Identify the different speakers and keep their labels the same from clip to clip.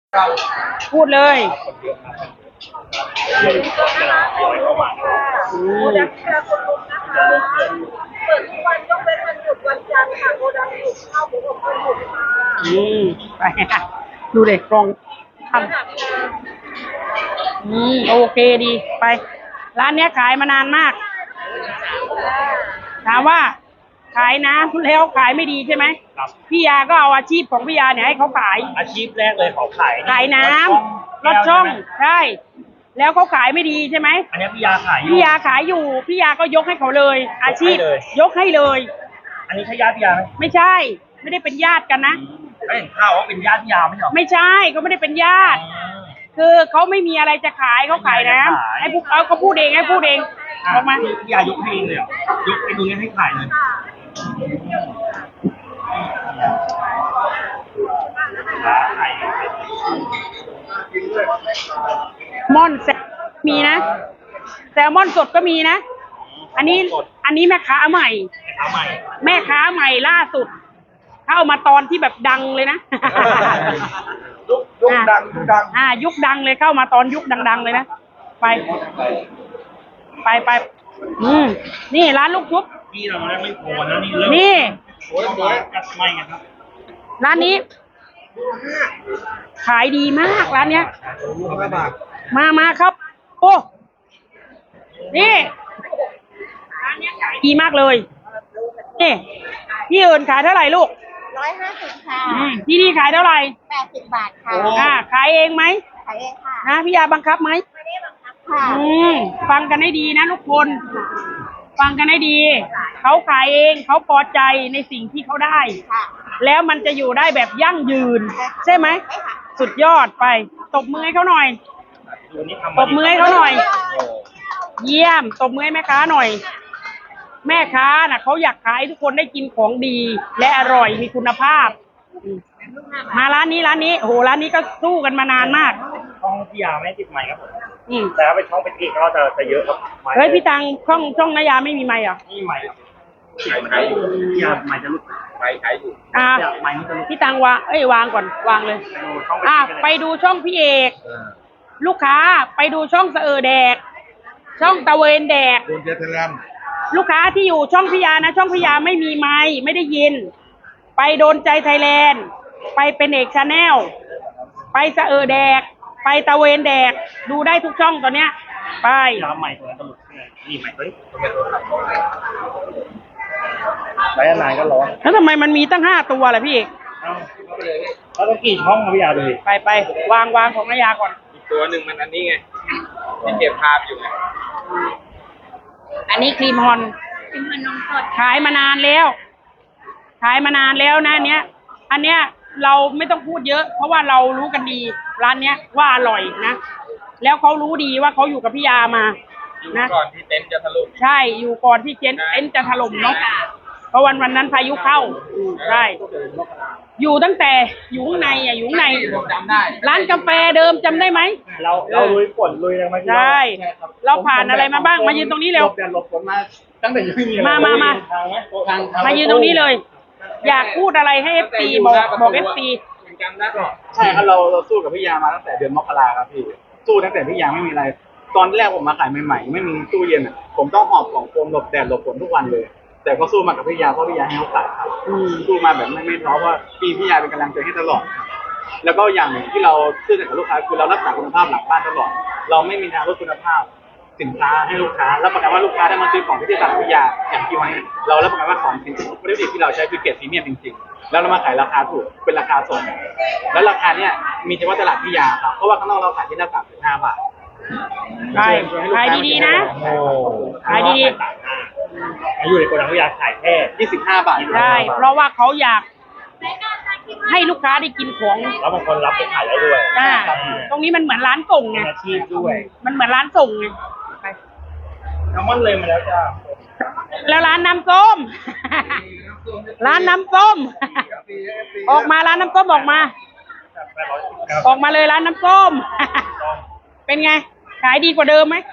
Speaker 1: พูดเลย
Speaker 2: โกดังที่คนลุมนะคะเปิดทุกวันยกเว้นวันหยุดวันจันทร์ค่ะโกดังหยุดข้าวหมูอบคนหยุดค่ะ
Speaker 1: ไปค่ะดูเด็กกรองทำโอเคดีไปร้านเนี้ยขายมานานมากถามว่าขายน้ำแล้วขายไม่ดีใช่ไหม
Speaker 3: ครับ
Speaker 1: พี่ยาก็เอาอาชีพของพี่ยาเนี่ยให้เขาขาย
Speaker 3: อาชีพแรกเลยเขา
Speaker 1: ขายน้ำรถช่องใช่แล้วเขาขายไม่ดีใช่ไหม
Speaker 3: อันนี้พี่ยาขายอยู่
Speaker 1: พี่ยาขายอยู่พี่ยาก็ยกให้เขาเลย อาชีพยกให้เลย
Speaker 3: อันนี้ใช่ญาติพี่ยาไหม
Speaker 1: ไม่ใช่ไม่ได้เป็นญาติกันนะ
Speaker 3: ไม่เห็นข่าวว่าเป็นญาติพี่ยาไม่เหรอ
Speaker 1: ไม่ใช่เขาไม่ได้เป็นญาติคือเขาไม่มีอะไรจะขายเขาขายน้ำให้พวกเขาพูดเองให้พูดเองออกมา
Speaker 3: พี่ยายกให้เองเลยยกไอ้ตรงนี้ให้ขายเลย
Speaker 1: ม่อนแซลมีนะแซลมอนสดก็มีนะอันนี้แม่ค้าใหม่แม่ค้าใหม่ล่าสุดเข้ามาตอนที่แบบดังเลยนะ
Speaker 3: ยุคดัง
Speaker 1: ยุคดังเลยเข้ามาตอนยุคดังๆเลยนะไปนี่ร้านลูกชุบ
Speaker 3: พี่เราไม่โผล่นะนี่เริ่ม
Speaker 1: นี่
Speaker 3: โอ้ยกัดไม่ครับ
Speaker 1: ร้านนี้ขายดีมากร้านเนี้ยมาครับโอ้นี่ร้านเนี้ยขายดีมากเลยนี่พี่เอิญขายเท่าไหร่ลูก
Speaker 2: 150ค่ะ
Speaker 1: ที่นี่ขายเท่าไหร่
Speaker 2: 80 บาทค่ะ
Speaker 1: ขายเองไหม
Speaker 2: ขายเองค่ะ
Speaker 1: นะพี่ยาบังคับไหม
Speaker 2: ไม่ได้บังคับค่ะ
Speaker 1: ฟังกันให้ดีนะทุกคนฟังกันให้ดีเขาขายเองเขาพอใจในสิ่งที่เขาได้แล้วมันจะอยู่ได้แบบยั่งยืนใช่ไหมสุดยอดไปตบมือให้เขาหน่อยตบมือให้เขาหน่อยเยี่ยมตบมือให้แม่ค้าหน่อยแม่ค้าน่ะเขาอยากขายทุกคนได้กินของดีและอร่อยมีคุณภาพมาร้านนี้โอ้โหร้านนี้ก็สู้กันมานานมาก
Speaker 3: ช่องพี่ยาไม่ติดไมค์ครับผมแต่ถ้าเป็นช่องเป็นเอกก็จะเยอะครับ
Speaker 1: เฮ้ยพี่ตังช่องนายาไม่มีไมค์เหรอ
Speaker 3: นี่ไมค์ขายอยู่พี่ยาไมค์จะลุกไมค์ขายอยู่ไมค์จะลุก
Speaker 1: พี่ตังวางก่อนวางเลยไปดูช่องพี่เอกลูกค้าไปดูช่องเสอแดกช่องตะเวนแดกลูกค้าที่อยู่ช่องพิยานะช่องพิยาไม่มีไมค์ไม่ได้ยินไปโดนใจไทยแลนด์ไปเป็นเอกชาแนลไปเสอแดกไปตะเวนแดกดูได้ทุกช่องตอนเนี้ยไป
Speaker 3: น้ำใหม่ตัวตลกนี่ใหม่ตัวนี้ไลฟ์นานก็ร้อน
Speaker 1: แล้วทำไมมันมีตั้ง5 ตัวล่ะพี่เอก
Speaker 3: แล้วต้องกี่ช่องครับพี่ยาดูดิ
Speaker 1: ไปวางของนายาก่อน
Speaker 3: อีกตัวหนึ่งมันอันนี้ไงที่เก็บภาพอยู่ไง
Speaker 1: อันนี้ครีมฮอนนมสดขายมานานแล้วนะอันเนี้ยเราไม่ต้องพูดเยอะเพราะว่าเรารู้กันดีร้านเนี้ยว่าอร่อยนะแล้วเขารู้ดีว่าเขาอยู่กับพี่ยามา
Speaker 3: นะก่อนที่เต็นท์จะถล่ม
Speaker 1: ใช่อยู่ก่อนที่เต็นท์จะถล่มเนาะเพราะวันนั้นพายุเข้าใช่อยู่ตั้งแต่อยู่ข้างในอยู่ข้างในร้านกาแฟเดิมจำได้ไหม
Speaker 3: เราลุยฝนลุยอะไรมา
Speaker 1: ใช่เราผ่านอะไรมาบ้างมายืนตรงนี้เร็ว
Speaker 3: หลบฝนมาตั้งแต่ยังไม่มี
Speaker 1: มายืนตรงนี้เลยอยากพูดอะไรให้ FC บอก FC
Speaker 3: ใช่ครับเราสู้กับพี่ยามาตั้งแต่เดือนมกราครับพี่สู้ตั้งแต่พี่ยาไม่มีอะไรตอนแรกผมมาขายใหม่ๆไม่มีตู้เย็นอ่ะผมต้องหอบของโฟมหลบแดดหลบฝนทุกวันเลยแต่ก็สู้มากับพี่ยาเพราะพี่ยาให้เขาขายครับสู้มาแบบไม่ท้อเพราะพี่ยาเป็นกำลังใจให้ตลอดแล้วก็อย่างที่เราซื่อสัตย์กับลูกค้าคือเรารักษาคุณภาพหลังบ้านตลอดเราไม่มีทางลดคุณภาพสินค้าให้ลูกค้ารับประกันว่าลูกค้าได้มาซื้อของที่ตลาดวิทยาอย่างที่ไว้เรารับประกันว่าของจริงวัตถุดิบที่เราใช้คือเกรดพรีเมียมจริงๆแล้วเรามาขายราคาถูกเป็นราคาส่งแล้วราคาเนี้ยมีเฉพาะตลาดวิทยาครับเพราะว่าข้างนอกเราขายที่ละ35 บาท
Speaker 1: ขายดีๆนะขายดี
Speaker 3: อยู่ในโกดังวิทยาขายแค่25 บาท
Speaker 1: ใช่เพราะว่าเขาอยากให้ลูกค้าได้กินของ
Speaker 3: แล้วบางคนรับไปขายได้ด้วย
Speaker 1: ตรงนี้มันเหมือนร้านส่งไง
Speaker 3: อาชีพด้วย
Speaker 1: มันเหมือนร้านส่งไง
Speaker 3: น้ำมันเลยมาแล้วจ้า
Speaker 1: แล้วร้านน้ำส้มร้านน้ำส้มออกมาร้านน้ำส้มออกมาเลยร้านน้ำส้มเป็นไงขายดีกว่าเดิมไหม
Speaker 2: เ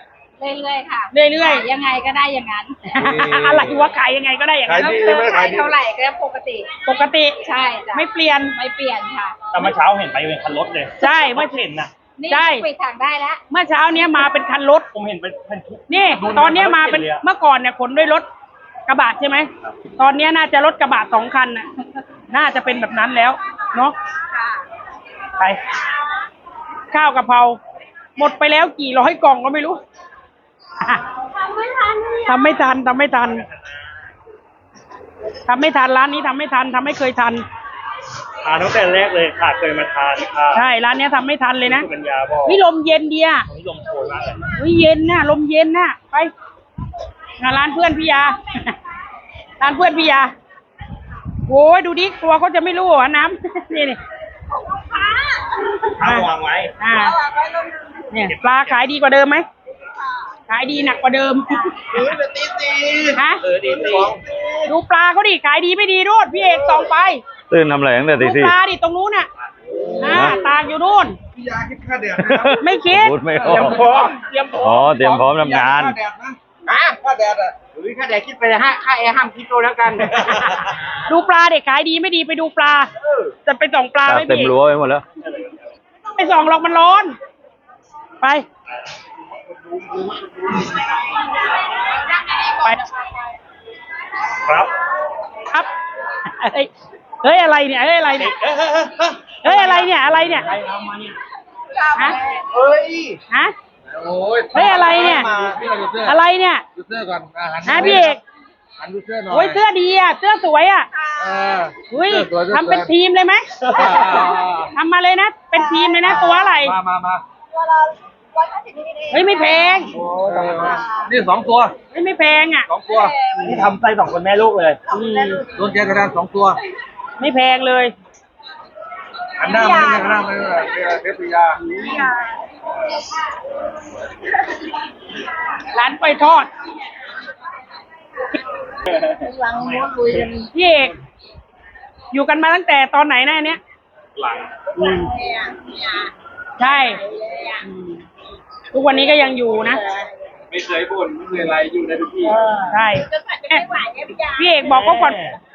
Speaker 4: เรื่อยๆค่ะ
Speaker 1: เรื่อยๆ
Speaker 4: ยังไงก็ได้อย่างนั้น
Speaker 1: อะไรวะขายยังไงก็ได้อย่างนั้น
Speaker 5: ขายดี
Speaker 4: เพิ่มขายเท่าไหร่ก็ปกติ
Speaker 1: ปกติ
Speaker 4: ใช่จ้ะ
Speaker 1: ไม่เปลี่ยน
Speaker 4: ไม่เปลี่ยนค่ะ
Speaker 6: แต่เมื่อเช้าเห็นไปเป็นคันรถเลย
Speaker 1: ใช่
Speaker 6: เมื่
Speaker 1: เมื่
Speaker 6: อ
Speaker 1: อ
Speaker 6: เห็นนะ
Speaker 4: นี่
Speaker 1: ใช่
Speaker 4: ปิดทางได้แล้ว
Speaker 1: เมื่อเช้าเนี้ยมาเป็นคันรถ
Speaker 6: ผมเห็นเป็นทุก
Speaker 1: นี่
Speaker 6: ดู
Speaker 1: ตอนเนี้ยมาเป็น
Speaker 6: รถข็ลยอะ
Speaker 1: เมื่อก่อนเนี่ยขนด้วยรถกระบะใช่ไหมตอนเนี้ยน่าจะรถกระบะ2 คันน่ะ น่าจะเป็นแบบนั้นแล้วเนาะ
Speaker 4: ค่ะ
Speaker 1: ไปข้าวกะเพราหมดไปแล้วกี่ร้อยกล่องก็ไม่รู้อ่ะ
Speaker 4: ทำไม่ทัน
Speaker 1: ทำไม่ทันร้านนี้ทำไม่ทันทำไม่เคยทัน
Speaker 6: ทานตั้งแต่แรกเลยค่ะเคยมาทานค่ะ
Speaker 1: ใช่ร้านเนี้ยทำไม่ทันเลยนะ
Speaker 6: คุณปัญญาบอก
Speaker 1: นี่ลมเย็นเดีย
Speaker 6: ตรงนี้ลมโชยมากเลย
Speaker 1: เฮ้ยเย็นน่ะลมเย็นน่ะไปงานร้านเพื่อนพี่ยา ร้านเพื่อนพี่ยาโอ้ยดูดิกลัวเขาจะไม่รู้เหรอน้ำ นี่นี่
Speaker 6: ถ้าวางไว้
Speaker 1: อ่าเนี่ยปลาขายดีกว่าเดิมไหมขายดีหนักกว่าเดิม ฮะ
Speaker 6: ดีสิ
Speaker 1: ดูปลาเขาดิขายดีไม่ดีรูดพี่เอกส่องไป
Speaker 5: ตื่นทำอะไรตั้งแต่ตี
Speaker 1: ดู
Speaker 5: สี่
Speaker 1: ปลาดิตรงนู้นน่ะตากอยู่นู่น
Speaker 5: พี่ยาคิดค่าแดด
Speaker 1: ไม่คิด
Speaker 5: พูดไม่อ
Speaker 6: เตรีย
Speaker 5: อ
Speaker 6: ม
Speaker 5: ก
Speaker 6: พร้อมเตรียมพร้อม
Speaker 5: อ๋อเตรียมพร้อมทำงาน
Speaker 3: ค่าแดดนะค่าแดดอ่ะค่าแดดคิดไปเลยค่าแอร์ห้ามคิดโตแล้วกัน
Speaker 1: ดูปลาเด็กขายดีไม่ดีไปดูปลาจะไปส่องปลาไม่
Speaker 5: เต็ม
Speaker 1: พี่
Speaker 5: รั้วไปหมดแล้ว
Speaker 1: ไปส่องหรอกมันร้อน ไปไป
Speaker 6: ครับ
Speaker 1: ครับ เฮ้ยอะไรเนี่ยเฮ้ยอะไรเนี่ยเฮ้ยอะไรเนี่ยอะไรเนี่ย
Speaker 6: ใครทำมาเนี่ย
Speaker 1: ฮะ
Speaker 3: เฮ้ย
Speaker 1: ฮะ
Speaker 3: โอ้ย
Speaker 1: เฮ้ยอะไรเนี่ย
Speaker 3: พี่เราดูเสื้อ
Speaker 1: อะไรเนี่ย
Speaker 3: ดูเสื้อก่อนหัน
Speaker 1: ฮะพี่เอก
Speaker 3: หันดูเสื้อหน่อย
Speaker 1: โอ้ยเสื้อดีอ่ะเสื้อสวยอ่ะ
Speaker 3: เออ
Speaker 1: อุ้ย
Speaker 3: สื้อสวยสื้อ
Speaker 1: ทำเป็น
Speaker 3: สวย
Speaker 1: ทีมเลยไหม
Speaker 3: อ่า
Speaker 1: ทำมาเลยนะเป็นทีมเลยนะตัวอะไร
Speaker 3: มา
Speaker 4: ตัวละ150 มิลลิลิตร
Speaker 1: เฮ้ยไม่แพง
Speaker 3: นี่2 ตัว
Speaker 1: เฮ้ยไม่แพงอ่ะ
Speaker 3: 2 ตัว
Speaker 6: นี่ทำไส้2 คนแม่ลูกเลย
Speaker 3: โดนแกกระดาน2 ตัว
Speaker 1: ไม่แพงเลย
Speaker 3: หันหน้ามาหันหน้ามาเทพปิยา
Speaker 1: ร้านไปทอด
Speaker 4: หลังม้วนลุยกัน
Speaker 1: พี่เอกอยู่กันมาตั้งแต่ตอนไหนนะอันเนี้ย
Speaker 6: หลัง
Speaker 1: ใช่ทุกวันนี้ก็ยังอยู่นะ
Speaker 3: ไม่เคยบ่นไม่เคยอะไรอยู่ในทุกที่
Speaker 1: ใช่
Speaker 4: จนกว่าจะไม่ไหวเนี่ยพี่ยา
Speaker 1: พี่เอกบอกเขาก่อน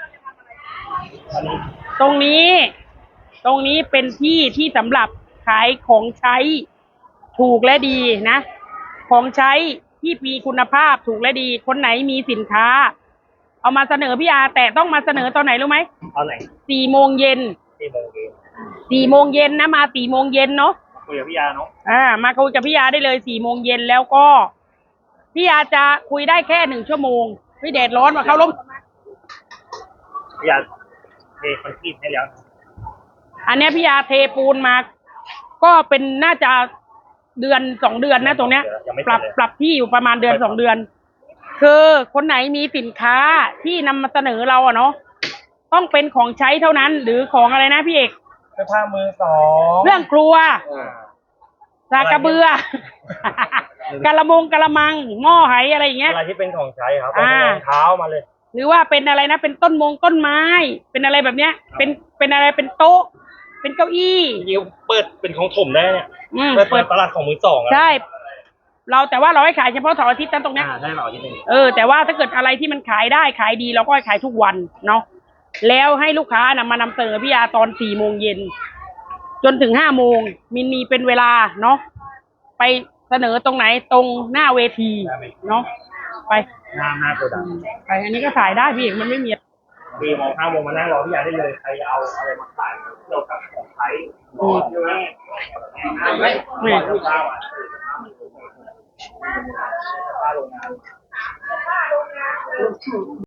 Speaker 1: ตรงนี้ ตรงนี้เป็นที่ที่สำหรับขายของใช้ถูกและดีนะ ของใช้ที่มีคุณภาพถูกและดี คนไหนมีสินค้า เอามาเสนอพี่อาแต่ต้องมาเสนอตอนไหนรู้ไหม
Speaker 6: เอาไหน
Speaker 1: 4 โมงเย็น
Speaker 6: 4 โมงเย็น
Speaker 1: 4 โมงเย็นนะมา4 โมงเย็นเนาะ
Speaker 6: คุยกับพี่ยาเนาะ
Speaker 1: มาคุยกับพี่ยาได้เลย4 โมงเย็นแล้วก็พี่ยาจะคุยได้แค่1 ชั่วโมงพี่แดดร้อนมาเข้าร่ม
Speaker 6: พี่ยาเทคอนกรีตให้แล้ว
Speaker 1: อันเนี้ยพี่ยาเทปูนมา ก็เป็นน่าจะเดือน2 เดือนนะตรงเนี้ย ปรับที่อยู่ประมาณเดือน2 เดือน คือคนไหนมีสินค้าที่นำมาเสนอเราอะเนาะต้องเป็นของใช้เท่านั้น หรือของอะไรนะพี่เอก
Speaker 6: เสื้อผ้ามือสอง
Speaker 1: เรื่องครัวสากกระเบือ กะละมังหม้อไหอะไรอย่างเงี้ย
Speaker 6: อะไรที่เป็นของใช้ครับ
Speaker 1: อ่า
Speaker 6: รองเท้ามาเลย
Speaker 1: หรือว่าเป็นอะไรนะเป็นต้นไม้ เป็นอะไรแบบเนี้ย เป็นอะไรเป็นโต๊ะ เป็นเก้าอี้
Speaker 6: จริงๆเปิดเป็นของถมได้เนี่ย
Speaker 1: เปิด
Speaker 6: ตลาดของมือสองอะ
Speaker 1: ใช่ แต่ว่าเราให้ขายเฉพาะเสาร์อาทิตย์นั้นตรงเนี้ย
Speaker 6: ใช่หรอที่นึง
Speaker 1: แต่ว่าถ้าเกิดอะไรที่มันขายได้ขายดีเราก็ให้ขายทุกวันเนาะแล้วให้ลูกค้ามานำเสนอพี่ยาตอน4 โมงเย็นจนถึง5 โมงมีเป็นเวลาเนาะไปเสนอตรงไหนตรงหน้าเวทีเนาะไป
Speaker 6: หน้าโกดัง
Speaker 1: ไปอันนี้ก็ขายได้พี่เอกมันไม่มี
Speaker 6: 4 โมง 5 โมงมานั่งรอพี่ยาได้เลยใครเอาอะไรมาขายเกี่ยวกับของใช้ใช่ไหม
Speaker 1: นี่
Speaker 6: ลูกค้าอ่ะผ้าโรงงาน